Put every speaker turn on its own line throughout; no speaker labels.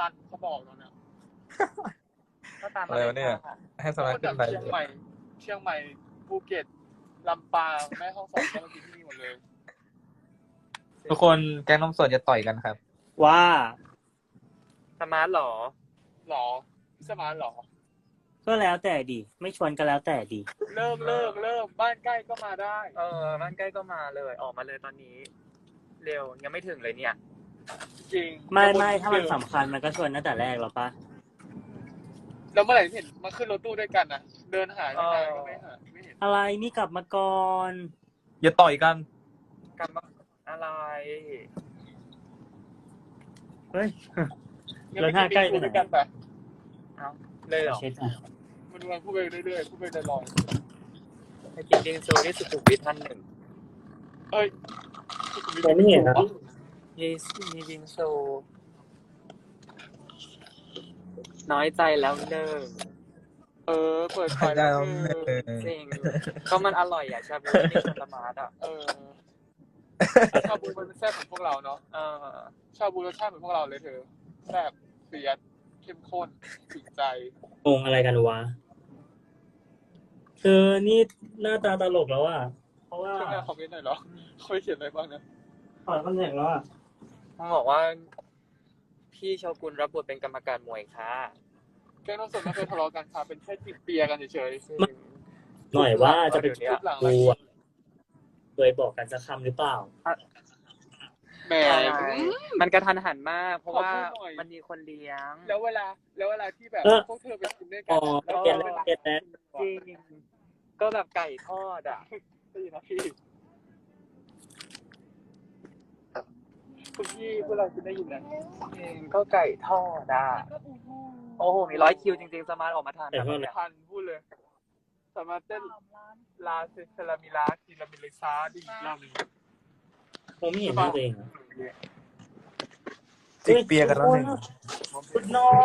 นเขาบอกตอนเนี้ยก็ตามมา
อะไรวะเนี่ยให้สมาขึ้นไป
เชียงใหม่ภูเก็ตลำปางแม่ฮ่องสอนก็มากินที่นี่หมดเลย
ทุกคนแก๊งนมสดจะต่อยกันครับ
ว่า
สมาร์ทหรอ
หรอสมานหรอ
ก็แล้วแต่ดีไม่ชวนก็แล้วแต่ดี
เริ่มบ้านใกล้ก็มาได้
บ้านใกล้ก็มาเลยออกมาเลยตอนนี้ เร็วยังไม่ถึงเลยเนี่ย
จริง
ไม่ถ้ามันสำคัญมันก็ชวนตั้งแต่แรกหรอปะ
แล้วเมื่อไหร่เห็นมาขึ้นรถตู้ด้วยกันนะเดินหายังไงก็ไม่เห็น
อะไรนี่กลับมาก่อน
อย่าต่อยกัน
กันมาอะไร
เฮ้ย
งั้น
แล้วถ้าใกล้
ไป
ไปไหน
ด้วยกันไป
เอาเลยเหรอ
เช็ดอ่ะ
มันวันพูดไปเรื่อยๆพูดไปลอย
ไปกินบิงซูที่สุขุมวิท1
เอ้ย
ผมไม่เห็นนะ
มีบิงซูน้อยใจแล้วหนึ่ง
เปิดไฟ
ได้
แล้ว
แล้ว
จริงก็มันอร่อยอ่ะชาบูที่ชนละมาดอ่ะ
ชาบูมันแซ่บของพวกเราเนาะชาบูรสชาติเหมือนพวกเราเลยเธอแซ่บเสียดเข้มข้นถึงใจ
งงอะไรกันวะเธอนี่หน้าตาตลกแล้วอ่ะเพราะว่า
ช่วยแม่คอมเมนต์หน่อยเหรอเขาเขียนอะไรบ้างนะ
ถอดคอนแทคแล้วอ่ะ
มันบอกว่าพี่โชกุนรับบทเป็นกรรมการมวยค่ะ
แก๊งน้องสดไม่เคยทะเลาะกันค่ะเป็นแค่จิบเปียกันเฉย
หน่อยว่าจะเป็น
ๆหลัง
กูอ่ะเคยบอกกันสักคำหรือเปล่า
แหม
มันกระทันหันมาก เพราะว่ามันมีคนเลี้ยง
แล้วเวลาที่แบบพวกเธอไปกินด้วยกั
อ๋อ
แล้ว
เก็ต
เว
แล้ว
ลา
เก็ตแล้ว
จริงก็แบบไก่ทอดอ่ะ
ได้ยินนะพี่คุณพี่พวกเราจะได้ยินนะ
จริงก็ไก่ทอดอ่ะโอ้โหมี100 คิวจริงๆสมาร์ทออกมาทาน
แต่ว่า
ทันพูดเลยสามารถเต้นลาเซลามิลาคิลามิเลซาดีลามิ
ผมไม่เห็นหน้าตัวเองอะ
จิกเปียกันแล้วหนึ่ง
คุณนอน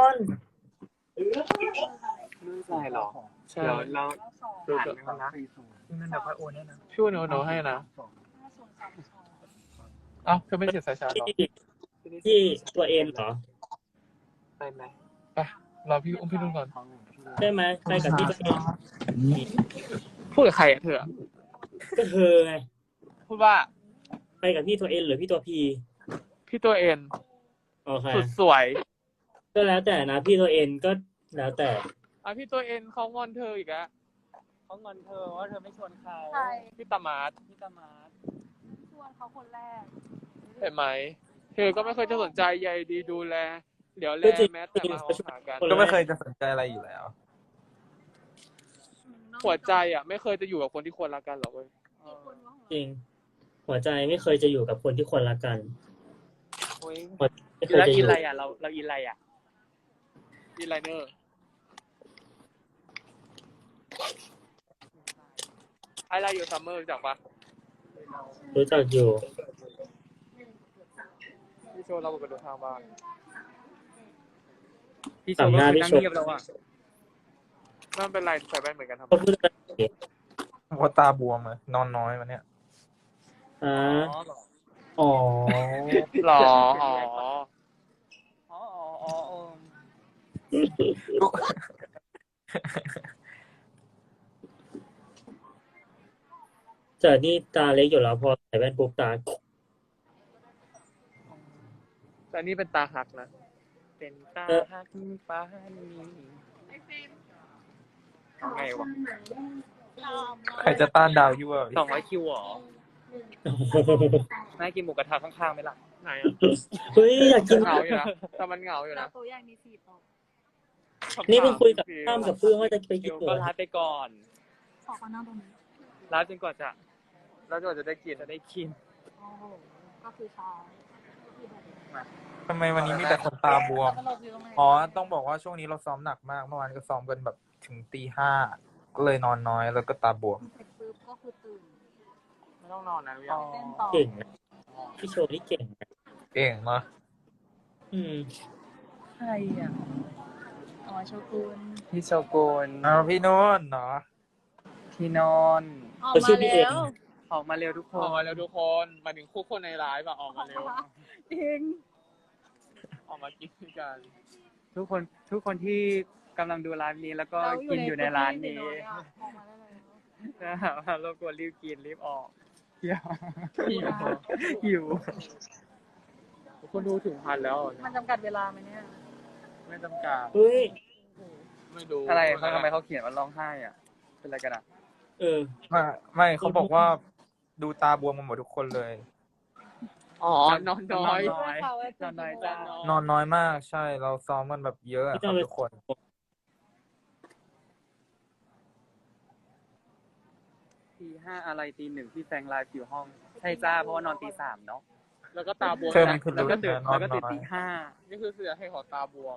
ไม่ใช่หรอ
ใช่
เรา
ดู
อ่าน
กัน
มันนะนั่นแบบว่าโอนเนี่ยนะ
พี่โนให้นะเอ้าเธอไม่เขียนสายชาร์จหรอ
ที่ตัวเอ็นเหรอ
ไปไหม
ไปรอพี่อุ้มพี่นุ่นก่อน
ใช่ไหมไปกับพี่ตัวเอ็น
พูดกับใครอ่ะเธอ
ก็เธอไง
พูดว่า
ไปกับพี่ตัวเอ็นหรือพี่ตัวพี
พี่ตัวเอ็น
โอเค
สุดสวย
ก็แล้วแต่นะพี่ตัวเอ็นก็แล้วแต่
พี่ตัวเอ็นเขางอนเธออีกอะ
เขางอนเธอว่าเธอไม่ชวนเขา
ใช่
พี่ตามาร์ท
พี่ตามาร์ท
ชวนเขาคนแรก
เห็นไหมเธอก็ไม่เคยจะสนใจใยดีดูแลเดี๋ยวแลแม้แต่มาเอาหากัน
ก็ไม่เคยจะสนใจอะไรอยู่แล้ว
หัวใจอ่ะไม่เคยจะอยู่กับคนที่ควรรักกันหรอกเว้ย
จริง หัวใจไม่เคยจะอยู่กับคนที่ควรรักกัน
อุ้ย
ไม่เคย
แล้ว
จะอ
อิน
ยู่
อะไรอ่ะเราอินอะไรอ่ะ
อินไลเนอร์ไอไลอยู่ซัมเมอร์รู้จักปะ
รู้จักอยู่
พี่โชว์เราไปดูทางบ้าน
พี่โชว์ก็คือนั่งเงียบแล้วอ่ะ
นั่นเป็นไรใส่แว่นเหมือนกันทำไม
เขาพูดอะไร
เพราะตาบวมอะนอนน้อยมันเนี่ย
อ่า
อ๋อเหรอ
อ๋อ
หรออ๋อ
อ๋อเออ
แต่นี่ตาเล็กอยู่แล้วพอใส่แว่นปุ๊บตา
แต่นี่เป็นตาหักนะ
เป็นตาฮักฟ้านีทำไงวะ
ใครจะต้านดาวยั่ว
200 คิวเหรอน่ากินหมูกระทะข้างๆไหมล่ะ
ไหนอ่ะ
เฮ้ยอยากกิน
เหงาอยู่นะแต่มันเหงาอยู่
เรา
นะ
ตัวอย่างมี4โต๊ะ
นี่เพิ่งคุยกับข้ามกับเพื่อนว่าจะไปกินหมู
ก็ไลฟ์ไปก่อน
ขอเขานั่งตรงนี้
ไลฟ์จนกว่าจะ
แล้วจะได้กิน
จะได้กิน
โอ้โหก็คือเช้า
ทำไมวันนี้มีแต่คนตาบวม
ตลกอยู่ตรงไหน
อ๋อ ต้องบอกว่าช่วงนี้เราซ้อมหนักมาก เมื่อวานก็ซ้อมกันแบบถึงตี 5 ก็เลยนอนน้อยแล้วก็ตาบวม
เสร็จปุ๊บก็คือตื่น
ไม่ต้องนอนนะพี่ยัง
เต้นต่อ
เก่งนะพี่โชว์นี่เก่งนะ
เก่งเนาะ
อืม
ใครอ่ะ
อ๋อโชกุน
พี่โชกุน
เอาพี่โน้นเนาะ
พี่นอน
ออกมาแล้ว
ออกมาเร็วทุกค
ออน กมาแล้วทุกคนมาถึงคู่คนในไลฟ์อะออกมาเร็ว
จริง
ออกมากินด้วยกัน
ทุกคนที่กำลังดูร้านนี้แล้วก็กินอยู่ในร้านนี้
ออกมาได้แล้ว
นะครับรบกวนรีบกินรีบออกเที่ยว
หิว
หิว
คนดูถึงพันแล้ว
มันจำกัดเวลาไหมเนี่ย
ไม่จำกัด
เฮ้ย
ไม่รู้
อะไรเขาทำไมเขาเขียนว่าร้องไห้อ่ะ เป็นอะไรกันอ่ะ
เออ
ไม่เขาบอกว่าดูตาบวมกันหมดทุกคนเลย
อ๋อนอนน้อย
นอนน้อยจ้า
นอนน้อยมากใช่เราซ้อมกันแบบเยอะอะครับทุกคน
ตีห้าอะไรตีหนึ่งพี่แฟงไลฟ์อยู่ห้อง ใช่จ้าเพราะว่านอนตีสามเนาะ
แล้วก็ตาบวม
เชิญขึ้น
แล้วก็ตื่น
นอน
แล้วก็ตื่น
น้อย
ตีห้า
นี่คือเสือให้ขอตาบวม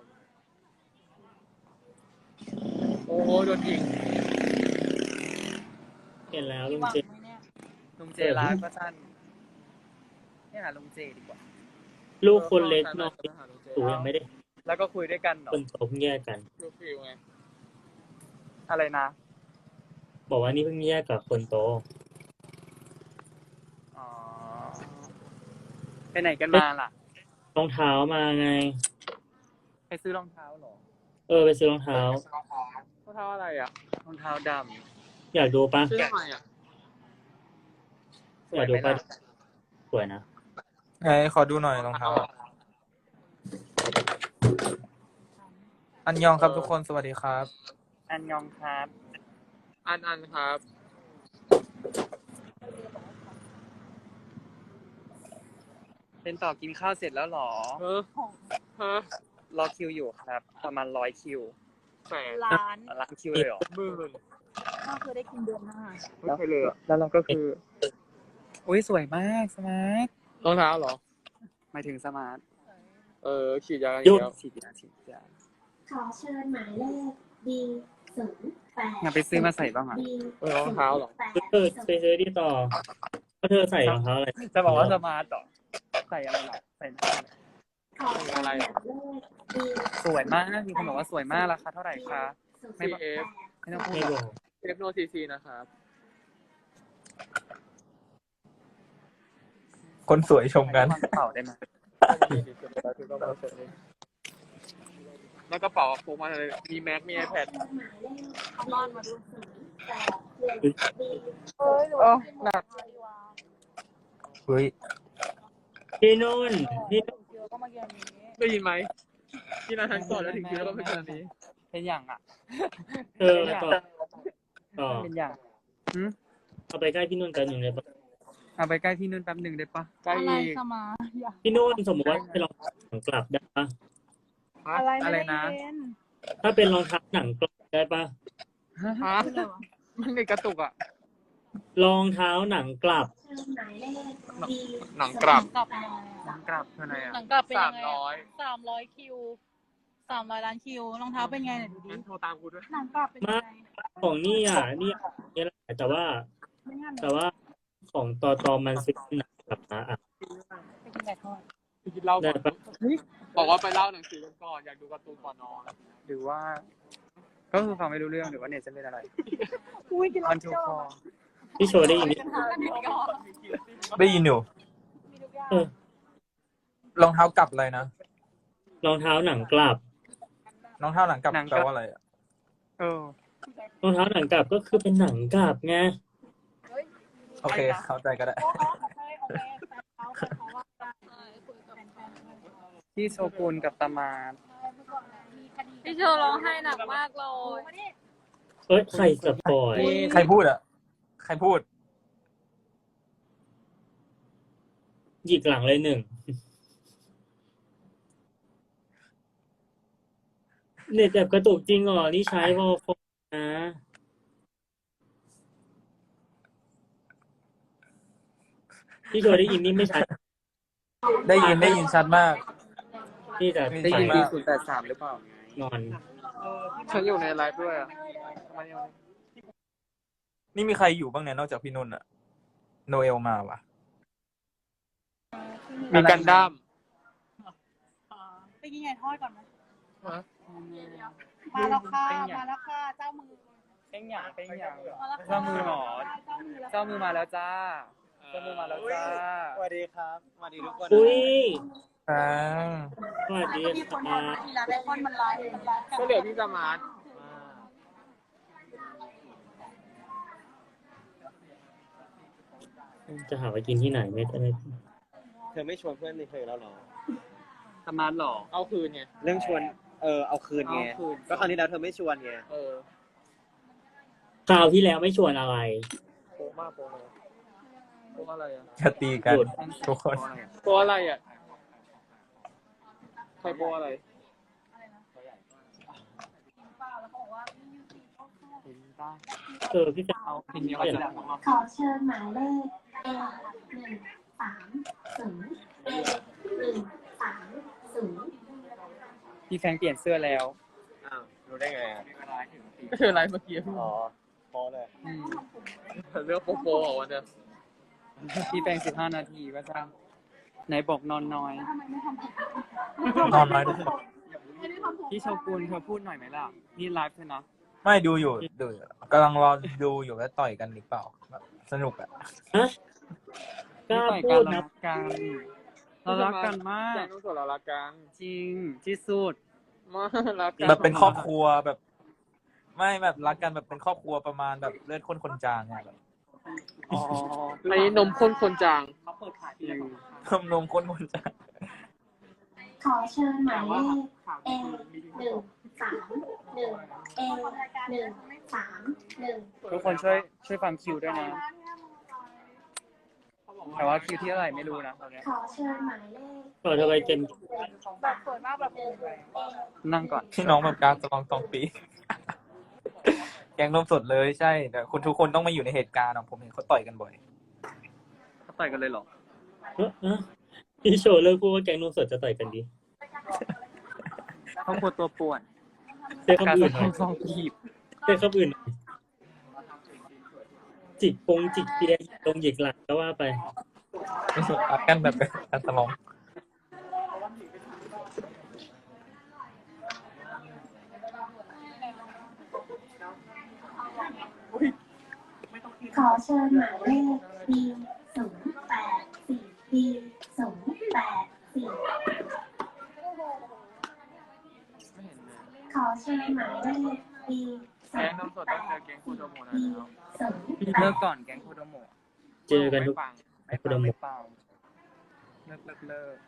โอ้โหโดนยิง
เห็นแล้ว
มี
ลุง
หวัง
เจ
ไหมเนี่ย
ลุงเจไลฟ์ก็สั้นเนี่ยหาลุงเจดีกว่า
ลูกคนเล็กนอนสูยังไม่ได้
แล้วก็คุยด้วยกันเนาะ
คนโตเพิ่งแยกกัน
ลูกฟิวไง
อะไรนะ
บอกว่านี่เพิ่งแยกกับคนโต
อ๋อไปไหนกันมาล่ะ
รองเท้ามาไง
ไปซื้อรองเท้าเหรอ
เออไปซื้อรองเท้า
เขาเท้าอะไรอ่ะ
รองเท้าด
อยากดูปะ
ชื่ออะไรอ่ะ
ำส
อ
วย
ยาก
ไห
ดู
ม
ปะ
ล่ะ
สวยนะ
ไงขอดูหน่อยรองเท้าอะอันยองครับทุกคนสวัสดีครับ
อันยองครับ
อันครับ
เป็นต่อกินข้าวเสร็จแล้วเหรอ
เฮ้อฮะ
รอคิวอยู่ครับ ประมาณ100 คิว
แสน
ร้าน
ล้านคิวเลยเหรอ
หมื่น
ก็คือได้กินเดือนหน้า
ไม่เคยเลยอ่ะ
แล้วเราก็คือ อุ้ยสวยมากสมาร์ท
รองเท้าเหรอ
หมายถึงสมาร์ท
ฉีดยากัน
หยุ
อี
ด
กแล้ว
ฉีดยาฉีดยา
ขอเชิญหมายเลข D08
อยากไปซื้อมาใส่บ้างอ่ะ
รองเท้าเหรอ
เออไปซื้อดีต่อเพราะเธอใส่รองเท้าอะไร
จะบอกว่าสมาร์ทต่อใส่อะไรหรอใส่หน้าอะไร
ขอเชิญหมายเลข D
สวยมากมีคนบอกว่าสวยมากราคาเท่าไหร่คะ ไม่บอก
CF
ไม่ต้องพูด
ไม่
หร
บ
อ
อก ก
เทปโนซีซีนะครับ
คนสวยชมกัน
วางกระเป๋าได้ไหม
แล้วกระเป๋าพกมาเลยมีแม็กมี iPad
เอาบ้านมาดู
08 D
เฮ้ยหรือ
โอ้
ว่า
หนัก
เฮ้ย
พี่นุ่นพี่นุ่น
เยอะก็มาเกี่ยวนี้
ได้ยินไหมที่ร้านทันก่อนแล้วถึงคิวแล้วก็เป็นแบบนี้
เป็นอย่างอ่ะ
เออต่อ
เป็นอย่าง
เอาไปใกล้พี่นุ่นกันหนึ่งเลยปะ
เอาไปใกล้พี่นุ่นแป๊บหนึ่งได้ปะ
ใกล้
อะไร
อีก
สมาอยาก
พี่นุ่นสมมติว่าเป็นรองเท้าหนังกลับได้ปะ
อะไร
อะไร
ไม่ได้
นะ
เย็น
ถ้าเป็นรองเท้าหนังกลับได้ปะ
ฮะ
คืออะไรวะ
มันในกระตุกอ่ะ
รองเท้าหนังกลับ
เชิญหมายเลข D
หนังกลับ
กลับยังไง
หนั
อะ
งกลับเท่าไหร่อ่ะ
หนังกลับเป็นยังไง
300
300 คิว 300 ล้านคิวรองเท้าเป็นไงเนี่ยดูดิ
งั้นโทรตามกูด้วย
หนังกลับเป็นยังไง
ของนี่อ่ะนี่นี่แหละแต่ว่า
ไม่งั้น
แต่ว่าของตอมันซื้อหนังกลับมาอ่ะ
ไปกินไก่ทอด
ไปกินเหล้าก่
ได้
อน
ปะ
บอกว่าไปเล่าหนังสือกันก่อน อยากดูการ์ตูนก่อนนอน
หรือว่า ก็คือฟังไม่รู้เรื่องหรือว่าเน็ตจะเป็นอะไร
อุ้ยกิน
มันชูคอ
พี่โชว์ได้ยินไหม
ได้ยินอยู่
มีทุกอย่าง
เออ
รองเท้ากลับอะไรนะ
รองเท้าหนังกลับ
รองเท้าหลังกลับแปลว่าอะไรอะ
เออ
รองเท้าหนังกลับก็คือเป็นหนังกลับไง
โอเคเข้าใจก็ได้
โอเคเขาว่าคุยกับแฟนๆ
ที่โชกุนกับตามาร์ท
พี่เชอร้องไห้หนักมากเลย
เอ้ยใครสปอย
ใครพูดอ่ะ ใครพูด
หยิกหลังเลยหนึ่งเน็ตแบบกระตุกจริงเหรอนี่ใช้วอลฟนะพี่โชว์ได้ยินนี่ไม่ชัด
ได้ยินชัดมาก
ที่จะ
ได้ยิน
ใช่
ดี
มาก
083หรือเปล่า
นอน
ฉันอยู่ในไลฟ์ด้วยอ่ะทำไมยัง
นี่มีใครอยู่บ้างเนี่ยนอกจากพี่นุ่นอะโนเอลมาวะ
มีกันดั้ม
ไปกินไก่ทอดก่อนไหม
ฮะ
มาแล้วค่ะ มาแล้วค่ะ เจ้ามือ
เป็นอย่างเป็นอย่าง
มาแล้วค่ะ
เจ้ามือหรอ
เจ้ามือแล้ว
เจ้ามือมาแล้วจ้า เจ้ามือมาแล้วจ้า
สวัสดีครับ สวัสดีทุกคน
อุ้ย
อ่า
สวัสดี
มีคน
ค่ะ
ทำทีละไอคอนมันไลฟ์กัน
ก็เหลือพี่สมาร์ท
จะหาไปกินที่ไหนไม่ได้
เธอไม่ชวนเพื่อนในเธอแล้วเหรอ
สมาร์ทหรอ
เอาคืนไง
เรื่องชวน เอาคืนไง
เอาคืน
ก็คราวนี้แล้วเธอไม่ชวนไง
คราวที่แล้วไม่ชวนอะไร
โป๊ะมากโป๊ะเลยโป๊ะอะไรอ่ะ
จะตีกัน
หยุด
ทุกคน
โป๊ะอะไรอ่ะใครโป๊ะอะไร
เห็นป่ะ
พี่แฟน
เอาเพลงนี้เขาจะบอกว่า
ขอเชิญหมายเลข A130 A130
พี่แฟงเปลี่ยนเสื้อแล้ว
อ้าว รู้ได้ไงอ่ะ
ก็คืออะไรเมื่อกี้
อ๋อพอเลย
อืม
เลือกโป๊ะโป๊ะเหรอวันเนี้ย
พี่แฟง15 นาทีก็จ้างไหนบอกนอนน้อย
นอนน้อยทุกคน
พี่โชกุนเธอพูดหน่อยไหมล่ะ นี่ไลฟ์เธอนะ
ไม่ดูอยู่กำลังรอดูอยู่ว่าต่อยกันหรือเปล่าแบบสนุกอ่ะ
ฮะกล้า
ไม่
พู
ต่อย
ด
กัน
นะ
เรารักกันมาก
แกงต้องส่วนเรารักกัน
จริงที่สุด
มากรักกัน
แบบเป็นครอบครัวแบบ ไม่แบบรักกันแบบเป็นครอบครัวประมาณแบบเลือดข้นคนจางอะแบบ
อ๋อ
อันนี้นมข้นคนจาง
เขาเปิดขาย
จริง
นมข้นคนจาง
ขอเชิญหมายเลข A131 A131
ทุกคนช่วยฟังคิวด้วยนะ แต่ว่าคิวที่เท่าไหร่ไม่รู้นะตอนเนี้ย
ขอเชิญหมายเลข
เปิดทำไมเต็ม
แบบสวยมากแบบ
นั่งก่อน
พี่น้องแบบการตองปี แกงนมสดเลยใช่แต่คุณทุกคนต้องมาอยู่ในเหตุการณ์อะผมเห็นเขาต่อยกันบ่อย
เขาต่อยกันเลยเหรอ
พี่โชว์เลิกพูดว่าแกงนมสดจะต่อยกันดี
เขาปวดตัวป่วน
เต้น
การ
คำ
ส
อื่นหน่อย
ซองกีบ
เต้นคำอื่นหน่อยจิกเตียงตรงหยิกหลังก็ว่าไป
รักกันแบบการตลอง
ขอเชิญหมายเลข B084 B084 ขอเชิญหมายเลข B
แกงนมสดต้องเจอแกงคูโดโมะนะ
B
แล้ว
พี่เลิกก่อนแก๊งโคโดโมะ
เจอกันทุก
ไม่ฟัง
ไม่เปล่าไม่เปล่าเลิก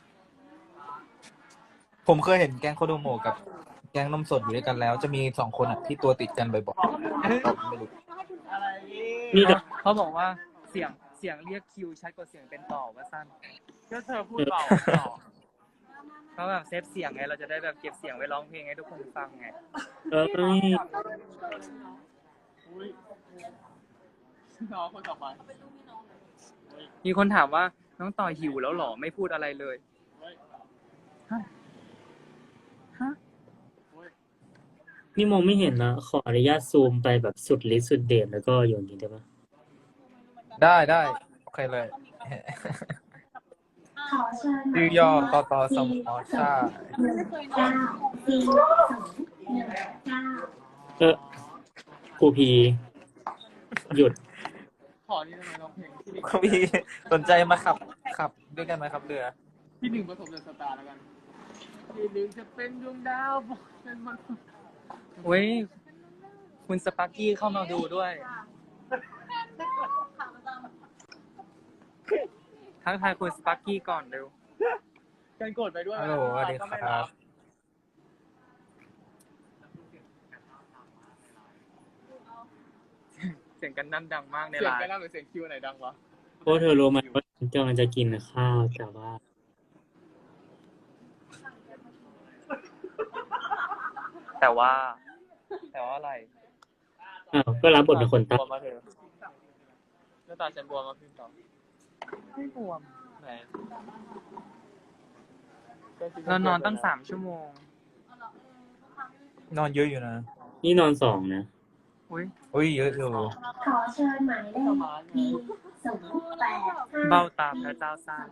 ผมเคยเห็นแกงโคโดโมะกับแกงนมสดอยู่ด้วยกันแล้ว จะมี2 คนอ่ะที่ตัวติดกันบ่อยๆไม่รู้
นี่แต่
เขาบอกว่าเสียงเรียกคิวชัดกว่าเสียงเป็นต่อว่าสั้น
ก็เธอพูดเบาต่อ
เขาแบบเซฟเสียงไงเราจะได้แบบเก็บเสียงไว้ร้องเพลงให้ทุกคนฟังไง
น้องคนต่อไป
มีคนถามว่าน้องต่อหิวแล้วหรอไม่พูดอะไรเลยฮะ
นี่มองไม่เห็นนะ ขออนุญาตซูมไปแบบสุดฤทธิ์สุดเดชแล้วก็โยนนี้ได้ปะ
ได้โอเคเลย
ขอเชิญหมาย
ชื่อ
เลข
ย่อตอสมอชา
19
ครูพีหยุด
ขอนี่ทำไมร้องเพลงที่หนึ่ง
คุณพี่สนใจมาขับด้วยกันไหมครับเรือ
ที่หนึ่งผสมเดอะสตาร์แล้วกันที่หนึ่งจะเป็นดวงดาวบอกเป็นมัน
เว้ยคุณสปาร์กี้เข้ามาดูด้วยทักทายคุณสปาร์กี้ก่อนเร็ว
กันกดไปด้วย
ฮัลโหลสวัสดีครับ
เสียงกันนั่นดังมากใน
เสียง
ไล
ไป
น์
แล้วหรือเสียงคิวไหนดังวะ
เพราะเธอรู้ไหมว่าฉันกำลังจะกินข้าวแต่ว่า
แต่ว่าอะไร
อ้าวก็รับบทเป็นคนใต้
บวมมาเถอะหน้าตาฉันบวมมาขึ้นต่อ
ไม่บวม
ไหน
เรานอนตั้ง3 ชั่วโมง
นอนเยอะอยู่นะ
นี่นอน2นะ
อุ้ย
อุ้ยเยอะอยู่
ขอเชิญหมายเลข B085
เบ้าตาพระเจ้าสร้าง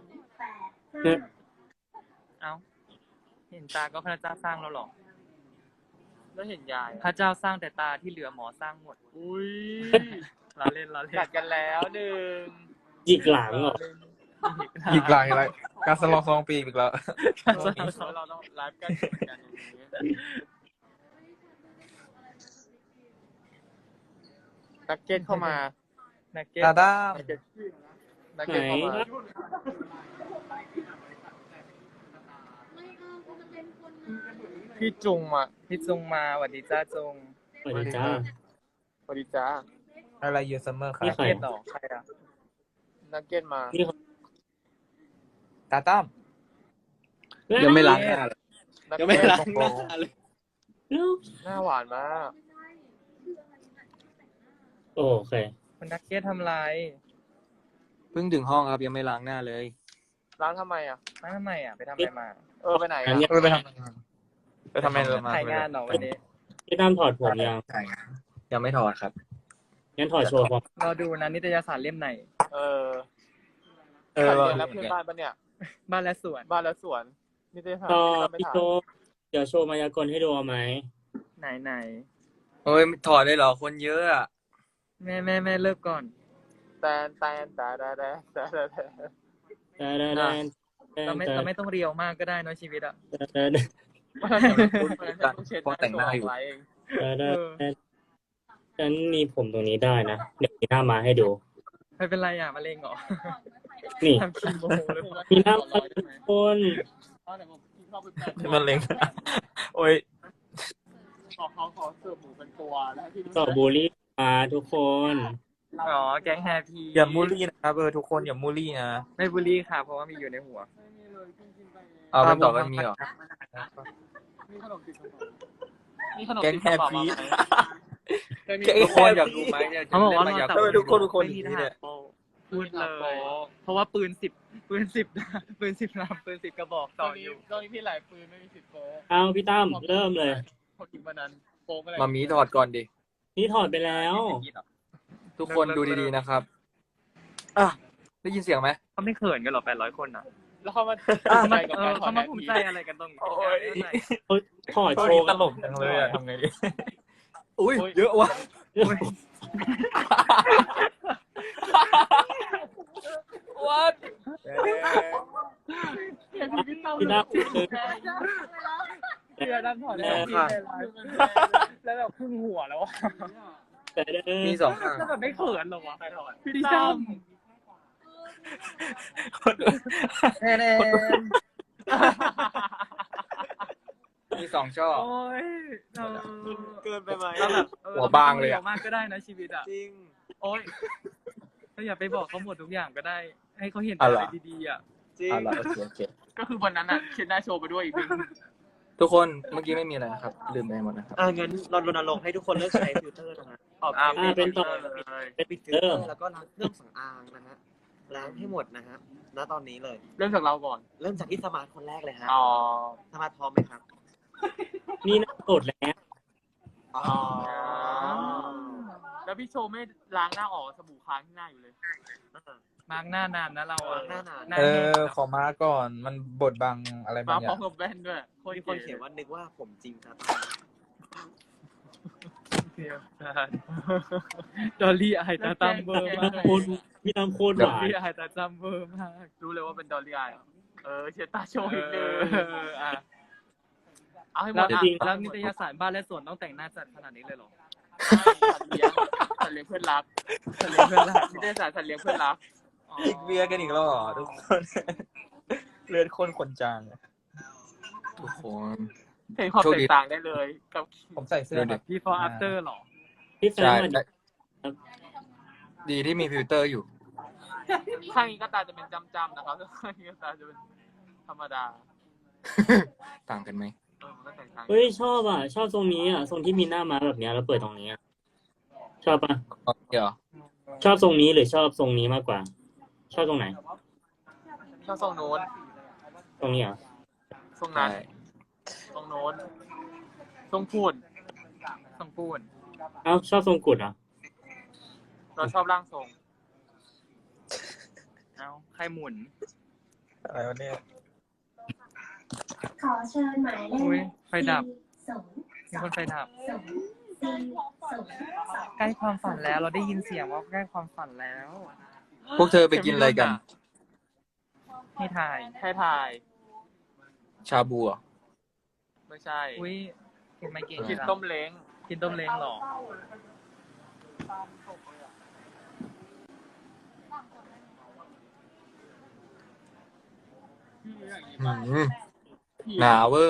085
เอ้า เห็นตาก็พระเจ้าสร้างแล้วหรอ
แล้วเห็นยาย
พระเจ้าสร้างแต่ตาที่เหลือหมอสร้างหมด
อุ้ย
เราเล่น
กัดกันแล้วหนึ่ง
หยิกหลังเหรอ
อีกหลายการสลอง2 ปีอีกแล้ว
เราต้องไลฟ์กันเหมือนกันอย่างนี้นักเก็ตเข้ามานักเก็ต
ดาด้า
นักเก็ตเข้ามา
ไม่เอากูจะเป็นคนมา
พี่จุงอ่ะ
พี่จุงมาสวัสดีจ้าจุง
สวัสดีจ้า
สวัสดีจ้า
อะไรยูซัมเมอร์ครั
นี่
บ
ใคร
เก็ตหรอใครอ่ะ
นักเก็ตมา
นี่
ตาตั้ม
ยังไม่ล้างหน้าเลย
นัก
ยังไม่
เก็ต
ล้างหน้าเลย
หน้าหวานมาก
โอเค
คุณนักเก็ตทำไร
เพิ่งถึงห้องครับยังไม่ล้างหน้าเลย
ร้านทำไมอ่ะ
มาทำไมอ่ะไปทำอะไรมา
ไปไหน
อั
อ่ะ
นนี้
ไปทำงานไปทำไมเลยมา
ถ่ายงานเหรอวันนี้
พี่ตั้มถอดผมยัง
ยังไม่ถอดครับ
งั้นถอดโชว์ผม
รอดูนะนิตยสารเล่มไหน
เออ
เออ
ใครเรียนแล้วเพื่อนบ้านปะเนี่ย
บ้านและสวน
บ้านแล้วสวนนี่ได้ทำ
ต่อ
ไม่
พี่
ถ่าย
โชว์เดี๋ยวโชว์มายากลให้ดูเอาไหม
ไหน
โอ้ยถอดได้เหรอคนเยอะอ่ะ
แม่เลิกก่อน
แตนตาดาดาดาดาดา
แต่แต่แต่
เราไม่ต้องเรียวมากก็ได้เนอะชีวิตอ่ะ
พอแต่งหน้าอยู่
ฉันมีผมตรงนี้ได้นะ เดี๋ยวมีหน้ามาให้ดู
ไม่เป็นไรอ่ะมะเร็งเหรอ
นี่
ทำคีโมเลย
มีหน้ามาทุกคน
มันเล็ง โอ้ย
ขอเสิร์ฟหมูเป็นตัวแล้วที่
ต่อบูลลี่มาทุกคน
อ๋อแก๊งแฮปปี้
อย่ามูลลี่นะครับทุกคนอย่ามูลลี่นะ
ไม่บูลลี่ค่ะเพราะว่ามีอยู่ในหัว
เอาเป็นต่อกันมีเหรอ
มีขนมติดมีขนม
แก๊ง
ติด
แฮปปี้
ทุกคนอยากรู้ไหมเนี่ย
เขาบอกว่า
อยาก
ทำไมทุกคนเป็นคน
ไม่
อ
มี
ย่าง
ท
นี้
หา
เนี่
ร
ย
โปพูดเลย เพราะว่าปืน10ปืน10ลำปืน10กระบอก
ต
ต่
อ
อน อ
นี้
ยู่
ตอนนี้พี่หลายปืนไม่มีสิทธิ์โป๊
เอาพี่ตั้มเริ่มเลย
พอกินวันนั้นโป๊อะไร
มามีถอดก่อนดิ
นี่ถอดไปแล้ว
ทุกคนดูดีๆนะครับอ่ะได้ยินเสียงไหม
เขาไม่เขินกันหรอ800 คนอ่ะ
แล้วเขามา
เขามาภูมิใจอะไรกันตรงนี้
เขาถอด
โช
โชว์
ว์ตลกจังเลยอะทำไงดี
อุ้ยเยอะว่ะ
วัด
พี่ตั้มคือ
เพื่อด้านถอดแล้วพี่ในไลฟ์แล้วแบบครึ่งหัวแล้วอ่ะ
แต่
มี2ข้าง
แล้วแบบไม่เขินหรอวะใครถอดพี่ตั้ม
มี2ช่อ
โอ้ย
เกินไปไหม
เราแบบ
หัวบางเลยอะ
มากก็ได้นะชีวิตอ่ะ
จริง
โอ้ยเราอย่าไปบอกเขาหมดทุกอย่างก็ได้ ให้เขาเห็น
อะ
อะไร ไรดีๆอ่ะ
จริง
เอาละโอเค
ก็คือวันนั้นอ่ะเขียนหน้าโชว์ไปด้วยอีกที
ทุกคนเมื่อกี้ไม่มีอะไรนะครับ ลืมไปหมดนะครับ
งั้นเรารณรงค์ให้ทุกคนเลิกใช้ฟิลเตอร์นะฮะออก
เป็นต่อ
เป็นปิดฟิลเตอร์แล้วก็ล้างเครื่องสำอางนะฮะล้างให้หมดนะฮะณตอนนี้เลย
เริ่มจากเราก่อน
เริ่มจากที่สมาร์ทคนแรกเลยฮะ
อ๋อ
สมาร์ทพร้อมไหมครับ
นี่น่าโกรธแล้ว
อ๋อ
แล้วพี่โชว์ไม่ล้างหน้าออกสบู่ค้างที่หน้าอยู่เลย
มาร์กหน้านานนะเราอ่ะ
หน้านาน
หน้า
เอ
แห้ง
อขอมาก่อนมันบดบังอะไรบา
มาง
อ
พร้อย่าง มกับแว่นด้วย
มีคนเขียนว่านึกว่าผมจริงครับ
ดอลลี่ไอตาตั้มเบอร์มาก
โคตรพี่ตั้มโคตร
ด
ห
อล
วาน
ลี่ไอตาตั้มเบอร์มาก
รู้เลยว่าเป็นดอลลี่อายเชียร์ตาโชว์อีก
เอ
เลย
ออ่ะ
เอาให้หม
แล้ว
ดอ่ะ
แล้วนิตยสารบ้านและสวนต้องแต่งหน้าจัดขนาดนี้เลยเหรอ
สัตว์เลี้ยงเพื่อนรักสัตว์เลี้ยงเพื่อนรักนิตยสารสัตว์เลี้ยงเพื่อนรัก
อีกเบียร์กันอีกแล้วเหรอทุกคนเลือดข้นคนจาง
ทุกคน
เห็นความแตกต่างได้เลยกับ
ผมใส่เสื้อแบบ
before after เหรอ
พี่แฟน
ใช่
มา
ได้ดีที่มีฟิลเตอร์อยู่
ข้างนี้ก็ตาจะเป็นจำๆนะครับข้างนี้ก็ตาจะเป็นธรรมดา
ต่างกันไหม
มันก็แตกต่าง
เฮ้ยชอบอ่ะ ชอบทรงนี้อ่ะ ทรงที่มีหน้าม้าแบบเนี้ยแล้วเปิดตรงนี้อ่ะ ชอบปะ
เดี๋ยว
ชอบทรงนี้หรือชอบทรงนี้มากกว่า ชอบตรงไหน
ชอบทรงโน้น
ตรงนี้เหรอ
ทรงนั้น
ใช่
ทรงโน้นทรงพูด
ต้องพูด
เอ้าชอบทรงกุดเหรอ
เราชอบร่างทรง
เอาใครหมุน
อะไรวะเนี่ย
ขอเชิญหมายเล
อุ๊ย
ข
ไฟดับ
0
มีคนไฟดับ
2
ใกล้ความฝันแล้ว เราได้ยินเสียงว่าใกล้ความฝันแล้ว
พวกเธอไปกินอะไรกัน
ให้ถ่าย
ให้ถ่าย
ชาบูอ่ะ
ไม่ใช่
อุ้ยกินไม่เก่ง
กิน
จัง
ต้มเล้ง
กินต้มเล้งเหรอ
หนาเวอร์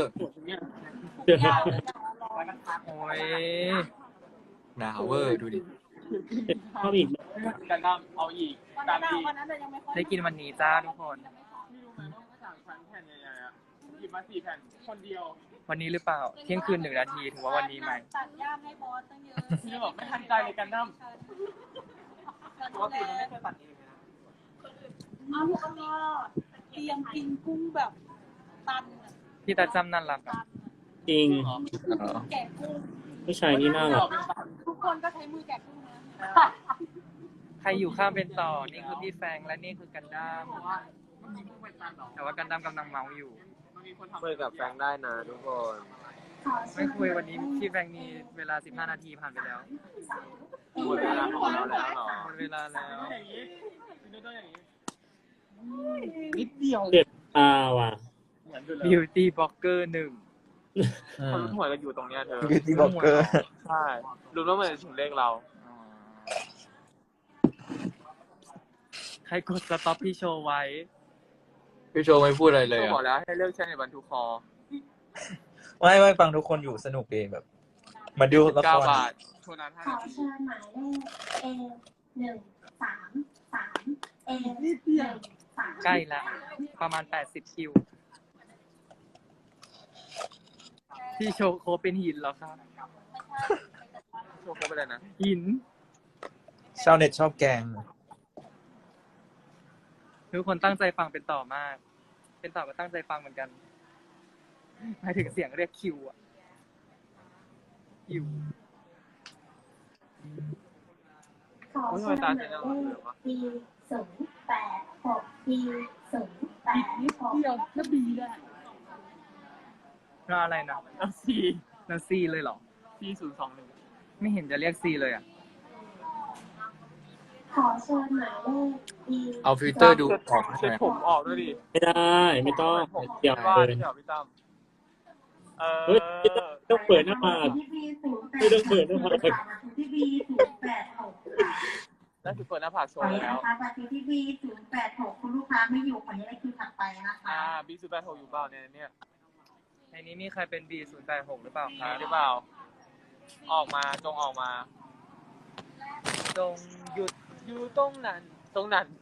โอ้ย
หนาเวอร์ดูดิ
ชอบอีก
กันดั้มเอาอีกตามดี
วันนั้นเรายังไม่ค่อย
ได้กินวันนี้จ้าทุกคน
ไม่รู้ไหมว่าเขาสั่งแผ่นใหญ่ๆอ่ะหยิบมา4 แผ่นคนเดียว
วันนี้หรือเปล่า เที่ยงคืน1 นาทีถือว่าวันนี้ไหม
ตัดย่ามให้บอสตั้งเยอะ
พี่บอกไม่ทันใจเลยกันดั้มปกติมันไม่เคยตัดเองนะ
เอาลูกเอาเตรียมกินกุ้งแบบตัน
พี่ตาจำนั่นรักอะ
จริง
แกะกุ้ง
ผู้ชายนี่น่ารัก
ทุกคนก็ใช้มือแกะกุ้งนะ
ใครอยู่ข้ามเป็นต่อ นี่คือพี่แฟงและนี่คือกันดั้ม
ว่ามันมีกุ้งเป็นตันหรอ
แต่ว่ากันดั้มกำลังเมาอยู่
มันมีคนทำ
คุยกับแฟนได้นะทุกคน
ไม่คุยวันนี้พี่แฟงมีเวลา15 นาทีผ่านไปแล้ว
หมดเวลาของเราแล้วเหรอ
หมดเวลาแล้ว
อย่างนี้ดูด้วยอย่างนี้
นิดเดียวเจ็บตาว่ะ
เหมือนกันเลย
Beauty Blogger 1
คนรู้หวยกันอยู่ตรงเนี้ยเธอ
Beauty Blogger
ใช่รู้แล้วมันถึงเลขเรา
ใครกดสต็อปพี่โชว์ไว้
พี่โชว์ไม่พูดอะไรเลย
ก็บอก
อ่ะ
แล้วให้เลิกใช้ในบรรทุกคอ
ไม่ฟังทุกคนอยู่สนุกดีแบบ มาดูละค
9
ร
บาทโทนั้น
ขอ
5 นาที
เชิญหมายเลข A133 A133
ใกล้ละประมาณ80 คิว พี่โชว์โคเป็นหินเหรอครับ
โชว์เขาไปเลยนะ
หิน
ชาวเน็ตชอบแกง
ทุกคนตั้งใจฟังเป็นต่อมาก เป็นต่อก็ตั้งใจฟังเหมือนกันหมายถึงเสียงเรียกคิวอะคิว
ขอเชิญหมายเลข B086 B086
เดียวถ้าบีได้
แล้วอะไรนะ
แล้ว C
แล้วซีเลยเหรอ
C021
ไม่เห็นจะเรียกซีเลยอ่ะ
ขอเชิญหมายเลข B
เอาฟิลเตอร์ดูออก
เช็ดผมออกด้วยดิ
ไม่ได้ไม่ต้องเดี๋ยว
ว่า
เกิน
ที่เดี๋ยวพี่ตั้ม
เฮ้ยต้องเปิดหน้าผาก
ที่ B086
ไม่ต้องเปิดหน้าผาก
ที่ B086
นั่นคือเปิดหน้าผากโช
ขอ
ว์
อนุญา
แล้
ต
ว
นะคะบัตรที่ B086 คุณลูกค้าไม่อยู่ขออนุญาตคิวถัดไปนะคะ
B086 อยู่เปล่าเนี่ย
ในนี้มีใครเป็น B086 หรือเปล่าค
มี
รับ
หรือเปล่า ออกมาจงออกมา
จงหยุด
อยู่ตรงนั้น ตรงนั้น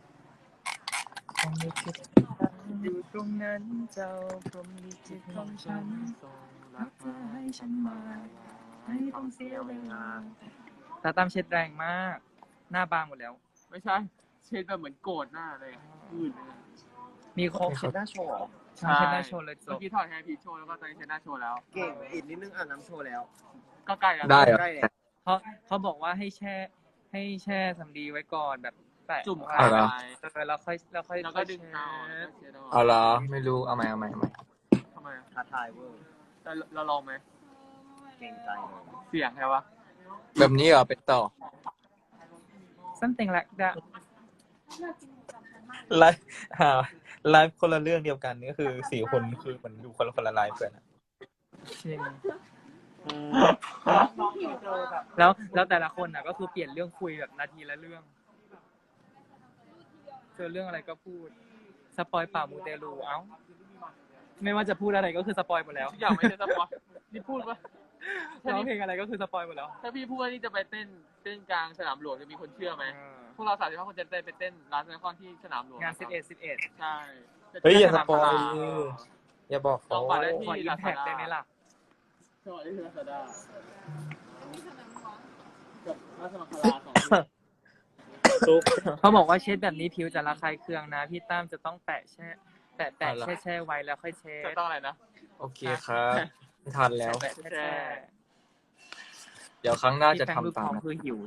อยู่ตรงนั้นเจ้าพรหมลิขิตของฉันรักเธอให้ฉันมาไม่ต้องเสียเวลาตาตั้มเช็ดแรงมาก หน้าบางหมดแล้ว
ไม่ใช่ เช็ดแบบเหมือนโกรธหน้าเลยอื่นเลย
มีโคกเช็ดหน้าโชว์เหรอ
ใช่
เช็ดหน้าโชว์เลยจ
เมื่
บ
อกี้ถอดแฮร์พีชโชว์แล้วก็ตอนนี้เช็ดหน้าโชว์แล้ว
เก่งอีกนิดนึงอาบน้ำโชว์แล้ว
ก็ใกล้แล้ว
ได้เหรอ
ใกล้แล้ว
เขาบอกว่าให้แช่สำลีไว้ก่อนแบบแปะ
จุ่ม
ไว้
ขา
เหรอ
ไป
แล้วค่อย
แล้วก็ดึงเอา
เช็ด
เอาเหรอไม่รู้เอาใหม่
ทำไมอะ
ท้าทายเวอร์
แต่เราลองไหม
เก่งใจเลย
เสียงใช่ปะ
แบบนี้เหรอเป็นต่อ
something like that
ไลฟ์ไลฟ์คนละเรื่องเดียวกันก็คือ4 คนคือมันอยู่คนละไลฟ์กันอะ
จริงแล้วแต่ละคนน่ะก็คือเปลี่ยนเรื่องคุยแบบนาทีละเรื่อง เจอเรื่องอะไรก็พูด สปอยป่ามูเตลูเอ้า ไม่ว่าจะพูดอะไรก็คือสปอยหมดแล้ว
ทุกอย่างไม่ใช่สปอยนี่พูดปะ
ร้องเพลงอะไรก็คือสปอยหมดแล้ว
ถ้าพี่พูดว่านี่จะไปเต้นกลางสนามหลวงจะมีคนเชื่อไหม พวกเรา35 คนจะไปเต้นร้านซีคอนที่สนามหลวง
งาน 11
ใช่
เฮ้ยอย่าสปอย
จะ
อย่าบอก
จ
เขา
องบัตรได้
ขอ
ที่
อิมแพคได้ไหมล่ะ
สวัสดีครับดากับราชมังคลา2
ตุ๊ก
เขาบอกว่าเช็ดแบบนี้ผิวจะระคายเคืองนะ พี่ตั้มจะต้องแปะแช่ไว้แล้วค่อยเช็
จะ
ด
ต้องอะไรนะ
โอเคครับไม่ทันแล้ว
แปะแช่
เดี๋ยวครั้งหน้า
พี่
จะ
แฟง
ทำ
รูป
ตา
ท้
ม
อง
นะ
คือหิว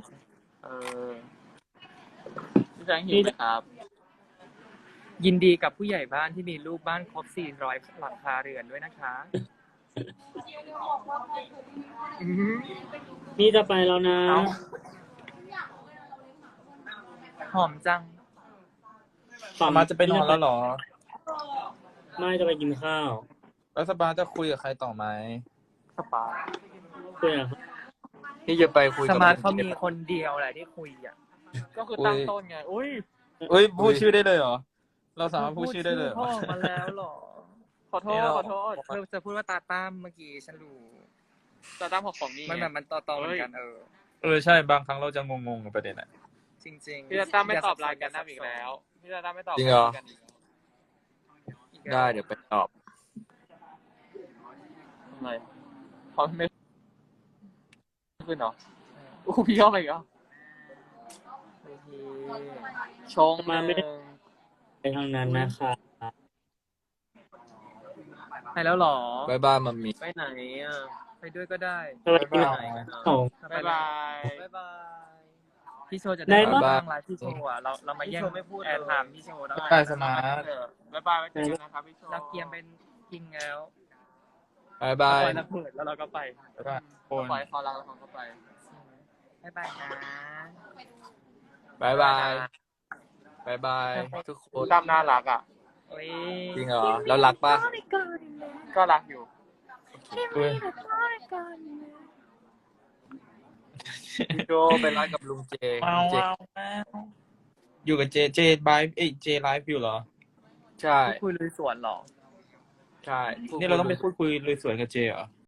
พี่แจงหิวไหมครับ
ยินดีกับผู้ใหญ่บ้านที่มีลูกบ้านครบ400หลังคาเรือนด้วยนะคะ
นี่จะไปแล้วนะ
เอ้า หอมจัง
มาจะไปนอนแล้วเหรอ
ไม่จะไปกินข้าว
แล้วสปาจะคุยกับใครต่อไหม
สปา
คุยกับ
นี่จะไปคุย
ส
กับ
มาร์ทเขามีคนเดียวแหละที่คุยอ่ะ
ก็คือตั้งต้นไง อุ้ย
เอ้ยพูดชื่อได้เลยเหรอ เราสามารถพูดชื่อได้เลยเหรอ
พ่อมาแล้วเหรอ
ขอโทษ ขอโทษ
เธอจะพูดว่าตาตั้มเมื่อกี้ฉันรู้
จะตั้งของนี่
มันแบบมันต่อๆเหมือนกัน
ใช่บางครั้งเราจะงงๆกับประเด็นอะ
จริงๆ
พี่จะตั้มไม่ตอบไลน์กันน้ำอีกแล้ว พี่จะตั้มไม่ตอบ
จริงเหรอ
กันอีก
ได้เดี๋ยวไปตอบ
ทำไมเขาไม่ขึ้นเหรออู้พี่เข้ามาอีกเหรอชง
มาไม่ได้ไปทางนั้นนะคะ
ไปแล้วเหรอ
บายบายมัมมี่
ไปไหนอ่ะ
ไปด้วยก็ได้
จะไปกินของ
บ๊ายบาย
บ๊ายบาย
พี่โชว์จะ
ได้
ได้
ปะ
บ้างไลฟ์พี่โชว์อ่ะเรามาแย่ง
พี่โชว์ไม่พูดเลย
แอร์ไทม์พี่โชว์แล้ว
ได้สมาร์ท
บ๊ายบายไว้เจอกันนะครับพี่โชว์
เราเกียมเป็นคิงแล้ว
บายบาย
ปล่อยระเบิดแล้วเราก็ไป
คน
ปล่อยเขารักแล้วเขาก็ไป
บ๊ายบายนะ
บายบายบายบายทุกคน
ตั้มน่ารักอ่ะ
โอ้ย
จริงเหรอแล้วรักปะ
ก็รักอยู่
เว้ย
พี่โจไปรักกับลุงเจ
ว้าว
เจ
ว้าวว้าวอยู่กับเจไลฟ์เจไลฟ์อยู่เหรอ
ใช่
คุยลุยสวนเหรอ
ใช่
นี่เราต้องไปพูดคุยเลยสวยกับเจเหรอ